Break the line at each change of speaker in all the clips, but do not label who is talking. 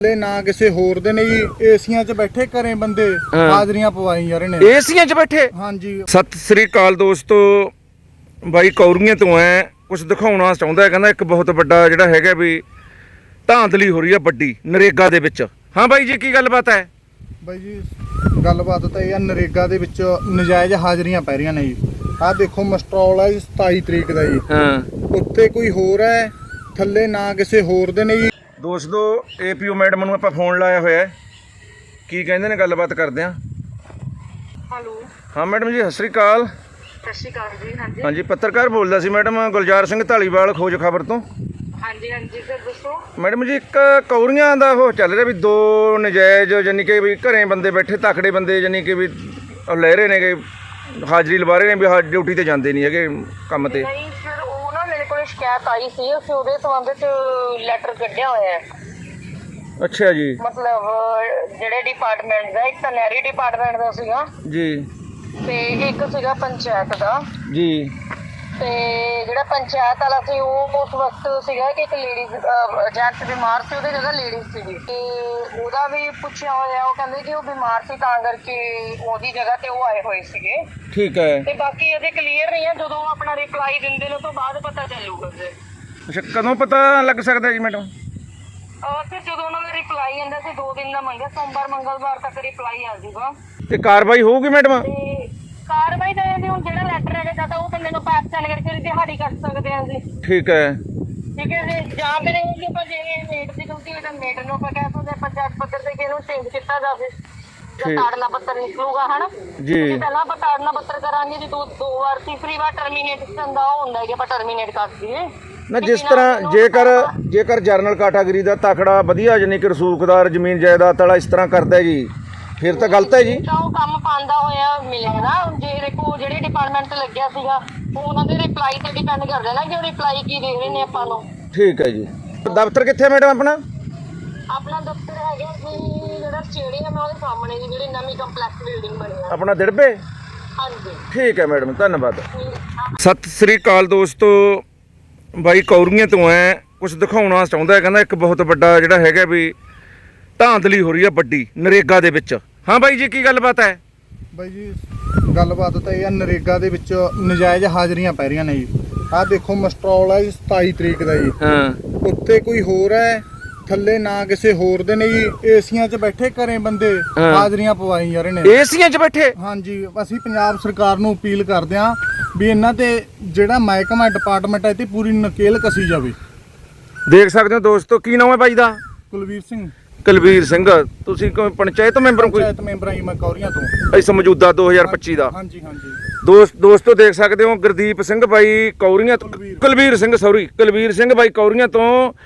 ना किसी होर दे ने जी एसियां च बैठे घरें बंदे हाजरियां पवाई जा रहे ने
एसियां च बैठे।
हाँ जी।
सत श्री अकाल दोस्तों, ਬਾਈ ਕੌਰੀਆਂ ਤੋਂ ਐ ਕੁਝ ਦਿਖਾਉਣਾ ਚਾਹੁੰਦਾ ਹੈ। ਕਹਿੰਦਾ ਇੱਕ ਬਹੁਤ ਵੱਡਾ ਜਿਹੜਾ ਹੈਗਾ ਵੀ ਧਾਂਦਲੀ ਹੋ ਰਹੀ ਹੈ ਵੱਡੀ ਨਰੇਗਾ ਦੇ ਵਿੱਚ। ਹਾਂ ਬਾਈ ਜੀ ਕੀ ਗੱਲਬਾਤ ਹੈ?
ਬਾਈ ਜੀ ਗੱਲਬਾਤ ਤਾਂ ਇਹ ਆ, ਨਰੇਗਾ ਦੇ ਵਿੱਚ ਨਜਾਇਜ਼ ਹਾਜ਼ਰੀਆਂ ਪੈ ਰਹੀਆਂ ਨੇ ਜੀ। ਆਹ ਦੇਖੋ ਮਸਟਰੋਲ ਹੈ 27 ਤਰੀਕ ਦਾ ਜੀ।
ਹਾਂ,
ਉੱਤੇ ਕੋਈ ਹੋਰ ਹੈ, ਥੱਲੇ ਨਾ ਕਿਸੇ ਹੋਰ ਦੇ ਨੇ ਜੀ।
ਦੋਸਤੋ ਏਪੀਓ ਮੈਡਮ ਨੂੰ ਆਪਾਂ ਫੋਨ ਲਾਇਆ ਹੋਇਆ ਹੈ, ਕੀ ਕਹਿੰਦੇ ਨੇ ਗੱਲਬਾਤ ਕਰਦੇ ਹਾਂ।
ਹੈਲੋ।
ਹਾਂ ਮੈਡਮ ਜੀ ਸਤਿ ਸ਼੍ਰੀ ਅਕਾਲ।
ਸਤਿ ਸ਼੍ਰੀ ਅਕਾਲ ਜੀ। ਹਾਂਜੀ
ਹਾਂਜੀ ਪੱਤਰਕਾਰ ਬੋਲਦਾ ਸੀ ਮੈਡਮ, ਗੁਲਜ਼ਾਰ ਸਿੰਘ ਢਾਲੀਵਾਲ ਖੋਜ ਖਬਰ ਤੋਂ।
ਹਾਂਜੀ ਹਾਂਜੀ ਸਰ ਦੱਸੋ।
ਮੈਡਮ ਜੀ ਇੱਕ ਕੌਰੀਆਂ ਦਾ ਉਹ ਚੱਲ ਰਿਹਾ ਵੀ ਦੋ ਨਜਾਇਜ਼ ਯਾਨੀ ਕਿ ਵੀ ਘਰੇ ਬੰਦੇ ਬੈਠੇ ਤਕੜੇ ਬੰਦੇ ਯਾਨੀ ਕਿ ਵੀ ਲੈ ਰਹੇ ਨੇਗੇ, ਹਾਜ਼ਰੀ ਲਵਾ ਰਹੇ ਨੇ ਵੀ ਹਾਂ ਡਿਊਟੀ ਤੇ ਜਾਂਦੇ ਨਹੀਂ ਹੈਗੇ ਕੰਮ ਤੇ।
ਨਹੀਂ ਸਰ ਉਹ ਨਾ ਮੇਰੇ ਕੋਲ ਸ਼ਿਕਾਇਤ ਆਈ ਸੀ, ਅਸੀਂ ਉਹਦੇ ਸੰਬੰਧ ਵਿੱਚ ਲੈਟਰ ਕੱਢਿਆ ਹੋਇਆ ਹੈ।
ਅੱਛਾ ਜੀ।
ਮਤਲਬ ਜਿਹੜੇ ਡਿਪਾਰਟਮੈਂਟ ਦਾ, ਇੱਕ ਤਾਂ ਨਹਿਰੀ ਡਿਪਾਰਟਮੈਂਟ ਦਾ ਸੀਗਾ
ਜੀ
ਤੇ ਇੱਕ ਸੀਗਾ ਪੰਚਾਇਤ ਦਾ।
ਜੀ।
ਤੇ ਜਿਹੜਾ ਪੰਚਾਇਤ ਵਾਲਾ ਸੀ ਉਹ ਉਸ ਵਕਤ ਸੀਗਾ ਕਿ ਇੱਕ ਲੇਡੀਜ਼ ਜੈਂਟਸ ਬਿਮਾਰ ਸੀ, ਉਹਦੇ ਜਗ੍ਹਾ ਲੇਡੀਜ਼ ਸੀਗੀ ਤੇ ਉਹਦਾ ਵੀ ਪੁੱਛਿਆ ਹੋਇਆ। ਉਹ ਕਹਿੰਦੇ ਕਿ ਉਹ ਬਿਮਾਰ ਸੀ ਤਾਂ ਕਰਕੇ ਉਹਦੀ ਜਗ੍ਹਾ ਤੇ ਉਹ ਆਏ ਹੋਏ ਸੀਗੇ।
ਠੀਕ ਹੈ।
ਤੇ ਬਾਕੀ ਇਹਦੇ ਕਲੀਅਰ ਨਹੀਂ ਹੈ, ਜਦੋਂ ਆਪਣਾ ਰਿਪਲਾਈ ਦਿੰਦੇ ਨੇ ਤੋਂ ਬਾਅਦ ਪਤਾ ਚੱਲੂਗਾ ਜੀ।
ਅੱਛਾ ਕਦੋਂ ਪਤਾ ਲੱਗ ਸਕਦਾ ਜੀ ਮੈਡਮ?
ਫਿਰ ਜਦੋਂ ਉਹਨਾਂ ਦਾ ਰਿਪਲਾਈ ਆਉਂਦਾ ਸੀ 2 ਦਿਨ ਦਾ ਮੰਗਿਆ, ਸੋਮਵਾਰ ਮੰਗਲਵਾਰ ਤੱਕ ਰਿਪਲਾਈ ਆ ਜਾਊਗਾ
ਤੇ ਕਾਰਵਾਈ ਹੋਊਗੀ ਮੈਡਮ?
ਤੇ ਕਾਰਵਾਈ ਤਾਂ ਇਹਦੀ ਹੁਣ ਜਿਹੜਾ ਲੈਟਰ ਹੈਗਾ ਜਾਂ ਤਾਂ ਉਹ ਬੰਦੇ ਨੂੰ ਪੈਸ ਸੈਂਡ ਕਰਕੇ ਦਿਹਾੜੀ ਕੱਟ ਸਕਦੇ ਹਾਂ ਜੀ।
ਠੀਕ ਹੈ।
ਠੀਕ ਹੈ ਜੀ। ਜਾਂ ਫਿਰ ਇਹ ਕਿ ਆਪਾਂ ਜੇ ਮੇਟ ਦੀ ਡਿਊਟੀ ਹੈ ਤਾਂ ਮੇਟ ਨੂੰ ਆਪਾਂ ਕਹਿ ਸਕਦੇ ਹਾਂ ਪੰਚਾਇਤ ਪੱਧਰ ਤੇ ਕਿ ਇਹਨੂੰ ਚੇਂਜ ਕੀਤਾ ਜਾਵੇ ਜਾਂ ਤਾੜਨਾ ਪੱਤਰ ਨਿਕਲੂਗਾ ਹਨਾ
ਜੀ।
ਪਹਿਲਾਂ ਆਪਾਂ ਤਾੜਨਾ ਪੱਤਰ ਕਰਾਂਗੇ ਜੀ, ਦੋ ਵਾਰ ਤੀਸਰੀ ਵਾਰ ਟਰਮੀਨੇਸ਼ਨ ਦਾ ਉਹ ਹੁੰਦਾ ਹੈ ਕਿ ਆਪਾਂ ਟਰਮੀਨੇਟ ਕਰ ਦਈਏ
ਨਾ। ਜਿਸ ਤਰ੍ਹਾਂ ਜੇਕਰ ਜਰਨਲ ਕੈਟਾਗਰੀ ਦਾ ਤਕੜਾ ਵਧੀਆ ਯਾਨੀ ਕਿ ਰਸੂਖਦਾਰ ਜ਼ਮੀਨ ਜਾਇਦਾਦ ਵਾਲਾ ਇਸ ਤਰ੍ਹਾਂ ਕਰਦਾ ਜੀ ਫਿਰ ਤਾਂ ਗਲਤ ਹੈ ਜੀ।
ਤਾਂ ਉਹ ਕੰਮ ਪਾਉਂਦਾ ਹੋਇਆ ਮਿਲਿਆ ਨਾ। ਜੇ ਦੇਖੋ ਜਿਹੜੇ ਡਿਪਾਰਟਮੈਂਟ ਤੇ ਲੱਗਿਆ ਸੀਗਾ ਉਹ ਉਹਨਾਂ ਦੇ ਰਿਪਲਾਈ ਤੇ ਡਿਪੈਂਡ ਕਰਦਾ ਨਾ ਕਿ ਉਹ ਰਿਪਲਾਈ ਕੀ ਦੇ ਰਹੇ ਨੇ ਆਪਾਂ ਨੂੰ।
ਠੀਕ ਹੈ ਜੀ। ਦਫ਼ਤਰ ਕਿੱਥੇ ਹੈ ਮੈਡਮ ਆਪਣਾ?
ਆਪਣਾ ਦਫ਼ਤਰ ਹੈਗਾ ਜੀ ਜਿਹੜਾ ਸਟੇਡੀਅਮ ਹੈ ਉਹਦੇ ਸਾਹਮਣੇ ਜੀ, ਜਿਹੜੀ ਨਵੀਂ ਕੰਪਲੈਕਸ ਬਿਲਡਿੰਗ ਬਣੀ ਹੈ
ਆਪਣਾ ਦਿੜਬੇ।
ਹਾਂਜੀ
ਠੀਕ ਹੈ ਮੈਡਮ, ਧੰਨਵਾਦ। ਸਤਿ ਸ੍ਰੀ ਅਕਾਲ ਦੋਸਤੋ, ਬਾਈ ਕੌਰੀਆਂ ਤੋਂ ਐ ਕੁਝ ਦਿਖਾਉਣਾ ਚਾਹੁੰਦਾ ਹੈ। ਕਹਿੰਦਾ ਇੱਕ ਬਹੁਤ ਵੱਡਾ ਜਿਹੜਾ ਹੈਗਾ ਵੀ ਧਾਂਦਲੀ ਹੋ ਰਹੀ ਹੈ ਵੱਡੀ ਨਰੇਗਾ ਦੇ ਵਿੱਚ। ਹਾਂ ਬਾਈ ਜੀ ਕੀ ਗੱਲਬਾਤ ਹੈ?
ਬਾਈ ਜੀ ਗੱਲਬਾਤ ਤਾਂ ਇਹ ਆ, ਨਰੇਗਾ ਦੇ ਵਿੱਚ ਨਜਾਇਜ਼ ਹਾਜ਼ਰੀਆਂ ਪੈ ਰਹੀਆਂ ਨੇ ਜੀ। ਆਹ ਦੇਖੋ ਮਸਟਰੋਲ ਹੈ 27 ਤਰੀਕ ਦਾ ਜੀ।
ਹਾਂ।
ਉੱਤੇ ਕੋਈ ਹੋਰ ਹੈ, ਥੱਲੇ ਨਾ ਕਿਸੇ ਹੋਰ ਦੇ ਨੇ ਜੀ। ਏਸੀਆਂ 'ਚ ਬੈਠੇ ਘਰੇ ਬੰਦੇ ਹਾਜ਼ਰੀਆਂ ਪਵਾਈ ਜਾ ਰਹੇ ਨੇ।
ਏਸੀਆਂ 'ਚ ਬੈਠੇ?
ਹਾਂਜੀ। ਅਸੀਂ ਪੰਜਾਬ ਸਰਕਾਰ ਨੂੰ ਅਪੀਲ ਕਰਦੇ ਹਾਂ ਵੀ ਇਹਨਾਂ ਤੇ ਜਿਹੜਾ ਮਹਿਕਮਾ ਡਿਪਾਰਟਮੈਂਟ ਹੈ ਤੇ ਪੂਰੀ ਨਕੇਲ ਕਸੀ ਜਾਵੇ।
ਦੇਖ ਸਕਦੇ ਹੋ ਦੋਸਤੋ, ਕੀ ਨਾਮ ਹੈ ਬਾਈ ਦਾ?
ਕੁਲਵੀਰ ਸਿੰਘ।
ਕੁਲਵੀਰ ਸਿੰਘ। ਤੁਸੀਂ ਕੋਈ ਪੰਚਾਇਤ ਮੈਂਬਰ? ਕੋਈ
ਪੰਚਾਇਤ ਮੈਂਬਰ ਆਈ ਮੈਂ ਕੌਰੀਆਂ ਤੋਂ।
ਇਸ ਮੌਜੂਦਾ 2025 ਦਾ।
ਹਾਂਜੀ ਹਾਂਜੀ।
ਦੋਸਤੋ ਦੇਖ ਸਕਦੇ ਹੋ ਗੁਰਦੀਪ ਸਿੰਘ ਬਾਈ ਕੌਰੀਆਂ ਤੋਂ, ਕੁਲਵੀਰ ਸਿੰਘ ਬਾਈ ਕੌਰੀਆਂ ਤੋਂ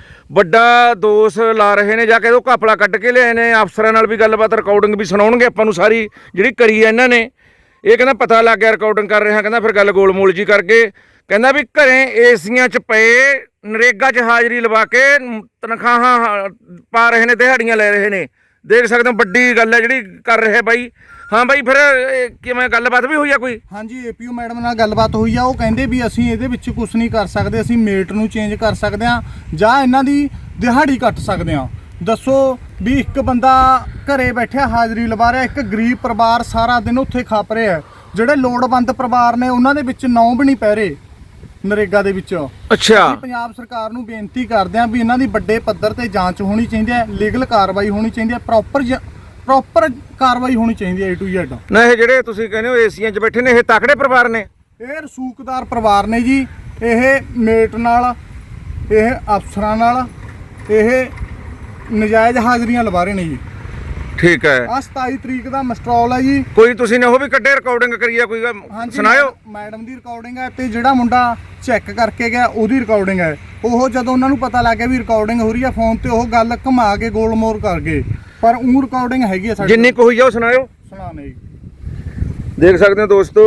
ਵੱਡਾ ਦੋਸ਼ ਲਾ ਰਹੇ ਨੇ। ਜਾ ਕੇ ਉਹ ਘਪਲਾ ਕੱਢ ਕੇ ਲਿਆਏ ਨੇ। ਅਫਸਰਾਂ ਨਾਲ ਵੀ ਗੱਲਬਾਤ ਰਿਕਾਰਡਿੰਗ ਵੀ ਸੁਣਾਉਣਗੇ ਆਪਾਂ ਨੂੰ ਸਾਰੀ ਜਿਹੜੀ ਕਰੀ ਹੈ ਇਹਨਾਂ ਨੇ। ਇਹ ਕਹਿੰਦਾ ਪਤਾ ਲੱਗ ਗਿਆ ਰਿਕਾਰਡਿੰਗ ਕਰ ਰਿਹਾ। ਕਹਿੰਦਾ ਫਿਰ ਗੱਲ ਗੋਲਮੋਲ ਜੀ ਕਰਕੇ ਕਹਿੰਦਾ ਵੀ ਘਰੇ ਏਸੀਆਂ 'ਚ ਪਏ ਨਰੇਗਾ 'ਚ ਹਾਜ਼ਰੀ ਲਵਾ ਕੇ ਤਨਖਾਹਾਂ ਪਾ ਰਹੇ ਨੇ, ਦਿਹਾੜੀਆਂ ਲੈ ਰਹੇ ਨੇ। ਦੇਖ ਸਕਦੇ ਹੋ ਵੱਡੀ ਗੱਲ ਹੈ ਜਿਹੜੀ ਕਰ ਰਿਹਾ ਬਾਈ। ਹਾਂ ਬਾਈ ਫਿਰ ਕਿਵੇਂ ਗੱਲਬਾਤ ਵੀ ਹੋਈ ਆ ਕੋਈ?
ਹਾਂਜੀ ਏਪੀਓ ਮੈਡਮ ਨਾਲ ਗੱਲਬਾਤ ਹੋਈ ਆ। ਉਹ ਕਹਿੰਦੇ ਵੀ ਅਸੀਂ ਇਹਦੇ ਵਿੱਚ ਕੁਝ ਨਹੀਂ ਕਰ ਸਕਦੇ, ਅਸੀਂ ਮੇਟ ਨੂੰ ਚੇਂਜ ਕਰ ਸਕਦੇ ਹਾਂ ਜਾਂ ਇਹਨਾਂ ਦੀ ਦਿਹਾੜੀ ਕੱਟ ਸਕਦੇ ਹਾਂ। ਦੱਸੋ ਵੀ ਇੱਕ ਬੰਦਾ ਘਰੇ ਬੈਠਿਆ ਹਾਜ਼ਰੀ ਲਵਾ ਰਿਹਾ, ਇੱਕ ਗਰੀਬ ਪਰਿਵਾਰ ਸਾਰਾ ਦਿਨ ਉੱਥੇ ਖੱਪ ਰਿਹਾ। ਜਿਹੜੇ ਲੋੜਵੰਦ ਪਰਿਵਾਰ ਨੇ ਉਹਨਾਂ ਦੇ ਵਿੱਚ ਨਾਂ ਵੀ ਨਹੀਂ ਪੈ ਰਹੇ ਨਰੇਗਾ ਦੇ ਵਿੱਚ।
ਅੱਛਾ।
ਅਸੀਂ ਪੰਜਾਬ ਸਰਕਾਰ ਨੂੰ ਬੇਨਤੀ ਕਰਦੇ ਹਾਂ ਵੀ ਇਹਨਾਂ ਦੀ ਵੱਡੇ ਪੱਧਰ ਤੇ ਜਾਂਚ ਹੋਣੀ ਚਾਹੀਦੀ ਹੈ, ਲੀਗਲ ਕਾਰਵਾਈ ਹੋਣੀ ਚਾਹੀਦੀ ਹੈ, ਪ੍ਰੋਪਰ ਕਾਰਵਾਈ ਹੋਣੀ ਚਾਹੀਦੀ ਹੈ A to Z।
ਨਾ ਇਹ ਜਿਹੜੇ ਤੁਸੀਂ ਕਹਿੰਦੇ ਹੋ ਏਸੀਆਂ 'ਚ ਬੈਠੇ ਨੇ ਇਹ ਤਕੜੇ ਪਰਿਵਾਰ ਨੇ?
ਇਹ ਰਸੂਖਦਾਰ ਪਰਿਵਾਰ ਨੇ ਜੀ। ਇਹ ਮੇਟ ਨਾਲ, ਇਹ ਅਫਸਰਾਂ ਨਾਲ ਇਹ ਨਜਾਇਜ਼ ਹਾਜ਼ਰੀਆਂ ਲਵਾ ਰਹੇ ਨੇ ਜੀ।
ਠੀਕ ਹੈ।
ਆ 27 ਤਰੀਕ ਦਾ ਮਸਟਰੋਲ ਹੈ ਜੀ।
ਕੋਈ ਤੁਸੀਂ ਨੇ ਉਹ ਵੀ ਕੱਢੇ ਰਿਕਾਰਡਿੰਗ ਕਰੀ ਆ ਕੋਈ? ਸੁਣਾਇਓ।
ਮੈਡਮ ਦੀ ਰਿਕਾਰਡਿੰਗ ਹੈ ਤੇ ਜਿਹੜਾ ਮੁੰਡਾ ਚੈੱਕ ਕਰਕੇ ਗਿਆ ਉਹਦੀ ਰਿਕਾਰਡਿੰਗ ਹੈ। ਉਹ ਜਦੋਂ ਉਹਨਾਂ ਨੂੰ ਪਤਾ ਲੱਗ ਗਿਆ ਵੀ ਰਿਕਾਰਡਿੰਗ ਹੋ ਰਹੀ ਹੈ ਫੋਨ ਤੇ, ਉਹ ਗੱਲ ਘੁਮਾ ਕੇ ਗੋਲ ਮੋਰ ਕਰ ਗਏ। ਪਰ ਉਹ ਰਿਕਾਰਡਿੰਗ ਹੈਗੀ ਹੈ ਸਾਡੀ।
ਜਿੰਨੀ ਕੁ ਹੋਈ ਆ ਉਹ ਸੁਣਾਇਓ।
ਸੁਣਾਣੇ ਜੀ।
ਦੇਖ ਸਕਦੇ ਹੋ ਦੋਸਤੋ।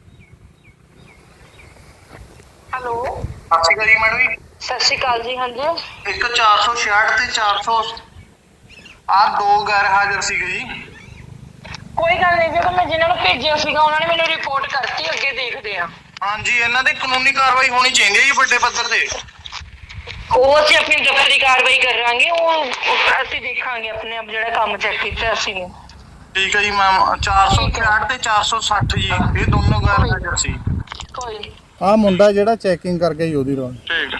ਹੈਲੋ।
ਸਤਿ ਸ਼੍ਰੀ ਅਕਾਲ ਜੀ ਮੈਡਮ ਜੀ।
ਸਤਿ ਸ਼੍ਰੀ ਅਕਾਲ ਜੀ। ਹਾਂਜੀ।
ਇੱਕ 466 ਤੇ 400 ਆ ਦੋ ਗੈਰ ਹਾਜ਼ਰ ਸੀਗੇ ਜੀ।
ਕੋਈ ਗੱਲ ਨਹੀਂ, ਜਦੋਂ ਮੈਂ ਜਿਨ੍ਹਾਂ ਨੂੰ ਭੇਜਿਆ ਸੀਗਾ ਉਹਨਾਂ ਨੇ ਮੈਨੂੰ ਰਿਪੋਰਟ ਕਰਤੀ, ਅੱਗੇ ਦੇਖਦੇ ਆ।
ਹਾਂਜੀ ਇਹਨਾਂ ਦੀ ਕਾਨੂੰਨੀ ਕਾਰਵਾਈ ਹੋਣੀ ਚਾਹੀਦੀ ਹੈ ਜੀ ਵੱਡੇ ਪੱਧਰ ਤੇ।
ਉਹ ਅਸੀਂ ਆਪਣੀ ਦਫ਼ਤਰੀ ਕਾਰਵਾਈ ਕਰਾਂਗੇ, ਉਹ ਅਸੀਂ ਦੇਖਾਂਗੇ ਆਪਣੇ ਆਪ ਜਿਹੜਾ ਕੰਮ ਚੈੱਕ ਕੀਤਾ ਅਸੀਂ ਨੇ।
ਠੀਕ ਹੈ ਜੀ ਮੈਮ, 466 ਤੇ 460 ਜੀ, ਇਹ ਦੋਨੋਂ ਗੈਰ ਹਾਜ਼ਰ ਸੀ।
ਕੋਈ ਨੀ।
ਆਹ ਮੁੰਡਾ ਜਿਹੜਾ ਚੈਕਿੰਗ ਕਰਕੇ ਹੀ ਉਹਦੀ ਰੋਲ।
ਠੀਕ।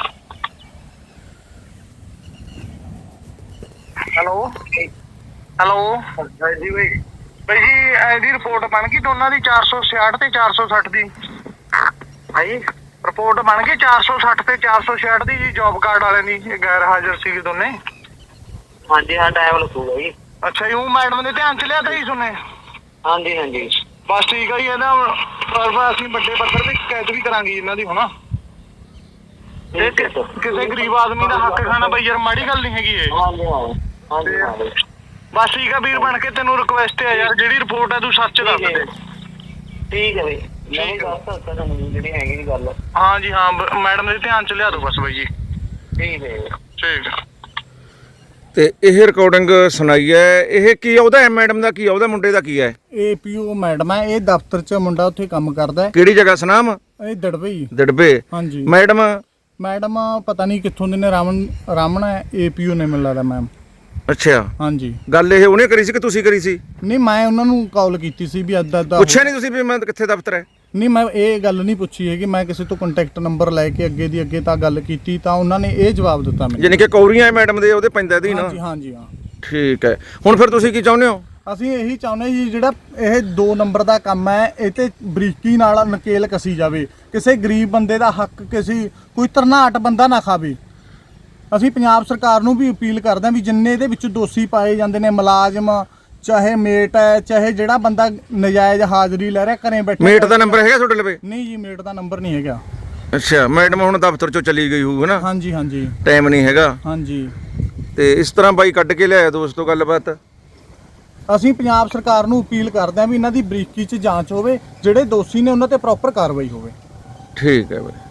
ਹੈਲੋ ਹੈਲੋ ਜੀ ਬਾਈ ਜੀ, ਇਹਦੀ ਰਿਪੋਰਟ ਬਣ ਗਈ ਦੋਨਾਂ ਦੀ 466 ਤੇ 460 ਦੀ? ਹਾਂਜੀ ਰਿਪੋਰਟ ਬਣ ਗਈ 460 ਤੇ 466 ਦੀ ਜੀ, ਜੌਬ ਕਾਰਡ ਵਾਲਿਆਂ ਦੀ, ਇਹ ਗੈਰ ਹਾਜ਼ਰ ਸੀਗੇ ਦੋਨੇ।
ਹਾਂਜੀ ਹਾਂ, ਟਾਈਮ ਲੱਗੂਗਾ ਜੀ।
ਅੱਛਾ ਜੀ, ਉਹ ਮੈਡਮ ਦੇ ਧਿਆਨ ਚ ਲਿਆ ਤਾਂ ਜੀ ਸੁਣੇ?
ਹਾਂਜੀ ਹਾਂਜੀ
ਬਸ ਠੀਕ ਹੈ ਜੀ, ਇਹਦਾ ਅਸੀਂ ਵੱਡੇ ਪੱਧਰ ਤੇ ਸ਼ਿਕਾਇਤ ਵੀ ਕਰਾਂਗੇ ਇਹਨਾਂ ਦੀ ਹੁਣ। ਇਹ ਕਿਸੇ ਗਰੀਬ ਆਦਮੀ ਦਾ ਹੱਕ ਖਾਣਾ ਬਈ ਯਾਰ, ਮਾੜੀ ਗੱਲ ਨਹੀਂ ਹੈਗੀ ਇਹ।
ਹਾਂਜੀ ਹਾਂ ਹਾਂਜੀ ਹਾਂ ਬਈ।
ਬਸ ਠੀਕ ਆ ਵੀਰ ਬਣ ਕੇ, ਤੈਨੂੰ ਰਿਕੁਐਸਟ ਹੈ ਯਾਰ, ਜਿਹੜੀ ਰਿਪੋਰਟ ਹੈ ਤੂੰ ਸੱਚ ਦੱਸ ਦੇ।
ਠੀਕ ਹੈ ਬਈ, ਮੈਂ ਵੀ ਦੱਸ ਸਕਦਾ ਤੁਹਾਨੂੰ ਜਿਹੜੀ ਹੈਗੀ ਦੀ ਗੱਲ।
ਹਾਂ ਜੀ ਹਾਂ, ਮੈਡਮ ਦੇ ਧਿਆਨ ਚ ਲਿਆ ਦੋ ਬਸ ਬਾਈ ਜੀ।
ਠੀਕ ਹੈ
ਠੀਕ।
ਤੇ ਇਹ ਰਿਕਾਰਡਿੰਗ ਸੁਣਾਈ ਹੈ, ਇਹ ਕੀ ਆ ਉਹਦਾ, ਮੈਡਮ ਦਾ ਕੀ ਆ, ਉਹਦਾ ਮੁੰਡੇ ਦਾ ਕੀ ਹੈ?
ਏਪੀਓ ਮੈਡਮ ਹੈ, ਇਹ ਦਫ਼ਤਰ 'ਚ ਮੁੰਡਾ ਉੱਥੇ ਕੰਮ ਕਰਦਾ ਹੈ।
ਕਿਹੜੀ ਜਗ੍ਹਾ ਸੁਨਾਮ?
ਇਹ ਦੜਵੇ ਹੀ।
ਦੜਬੇ।
ਹਾਂਜੀ।
ਮੈਡਮ
ਪਤਾ ਨਹੀਂ ਕਿੱਥੋਂ ਦੇ ਨੇ, ਰਾਮਣ ਹੈ, ਏਪੀਓ ਨੇ ਮੈਨੂੰ ਲੱਗਦਾ ਮੈਮ।
ਅੱਛਾ।
ਹਾਂਜੀ।
ਗੱਲ ਇਹ ਉਹਨੇ ਕਰੀ ਸੀ ਕਿ ਤੁਸੀਂ ਕਰੀ ਸੀ?
ਨਹੀਂ, ਮੈਂ ਉਹਨਾਂ ਨੂੰ ਕਾਲ ਕੀਤੀ ਸੀ ਵੀ ਅੱਧਾ
ਪੁੱਛਿਆ ਨਹੀਂ ਤੁਸੀਂ ਵੀ ਮੈਂ ਕਿੱਥੇ ਦਫ਼ਤਰ ਹੈ?
ਨਹੀਂ, ਮੈਂ ਇਹ ਗੱਲ ਨਹੀਂ ਪੁੱਛੀ ਹੈਗੀ, ਮੈਂ ਕਿਸੇ ਤੋਂ ਕੰਟੈਕਟ ਨੰਬਰ ਲੈ ਕੇ ਅੱਗੇ ਦੀ ਅੱਗੇ ਤਾਂ ਗੱਲ ਕੀਤੀ ਤਾਂ ਉਹਨਾਂ ਨੇ ਇਹ ਜਵਾਬ ਦਿੱਤਾ ਮੈਨੂੰ।
ਯਾਨੀ ਕਿ ਕੌਰੀਆਂ ਮੈਡਮ ਦੇ ਉਹਦੇ ਪੈਂਦਾ ਦੀ ਨਾ?
ਹਾਂਜੀ ਹਾਂਜੀ ਹਾਂ।
ਠੀਕ ਹੈ, ਹੁਣ ਫਿਰ ਤੁਸੀਂ ਕੀ ਚਾਹੁੰਦੇ ਹੋ?
ਅਸੀਂ ਇਹੀ ਚਾਹੁੰਦੇ ਜੀ, ਜਿਹੜਾ ਇਹ 2 ਨੰਬਰ ਦਾ ਕੰਮ ਹੈ, ਇਹ ਤੇ ਬਰੀਕੀ ਨਾਲ ਨਕੇਲ ਕਸੀ ਜਾਵੇ। ਕਿਸੇ ਗਰੀਬ ਬੰਦੇ ਦਾ ਹੱਕ ਕੋਈ ਧਰਨਾਟ ਬੰਦਾ ਨਾ ਖਾਵੇ। ਅਸੀਂ ਪੰਜਾਬ ਸਰਕਾਰ ਨੂੰ ਵੀ ਅਪੀਲ ਕਰਦੇ ਹਾਂ ਵੀ ਜਿੰਨੇ ਇਹਦੇ ਵਿੱਚ ਦੋਸ਼ੀ ਪਾਏ ਜਾਂਦੇ ਨੇ, ਮੁਲਾਜ਼ਮ ਚਾਹੇ ਮੇਟ ਹੈ, ਚਾਹੇ ਜਿਹੜਾ ਬੰਦਾ ਨਜਾਇਜ਼ ਹਾਜ਼ਰੀ ਲੈ ਰਿਹਾ ਘਰੇ ਬੈਠੇ।
ਮੇਟ ਦਾ ਨੰਬਰ ਹੈਗਾ ਤੁਹਾਡੇ ਲਵੇ?
ਨਹੀਂ ਜੀ, ਮੇਟ ਦਾ ਨੰਬਰ ਨਹੀਂ ਹੈਗਾ।
ਅੱਛਾ, ਮੈਡਮ ਹੁਣ ਦਫ਼ਤਰ ਚੋਂ ਚਲੀ ਗਈ ਹੋਊ ਨਾ?
ਹਾਂਜੀ ਹਾਂਜੀ।
ਟਾਈਮ ਨਹੀਂ ਹੈਗਾ?
ਹਾਂਜੀ।
ਤੇ ਇਸ ਤਰ੍ਹਾਂ ਬਾਈ ਕੱਢ ਕੇ ਲਿਆਇਆ ਦੋਸਤੋ ਗੱਲਬਾਤ।
ਅਸੀਂ ਪੰਜਾਬ ਸਰਕਾਰ ਨੂੰ ਅਪੀਲ ਕਰਦੇ ਹਾਂ ਵੀ ਇਹਨਾਂ ਦੀ ਬਰੀਕੀ 'ਚ ਜਾਂਚ ਹੋਵੇ, ਜਿਹੜੇ ਦੋਸ਼ੀ ਨੇ ਉਹਨਾਂ ਤੇ ਪ੍ਰੋਪਰ ਕਾਰਵਾਈ ਹੋਵੇ।
ਠੀਕ ਹੈ ਬਾਈ।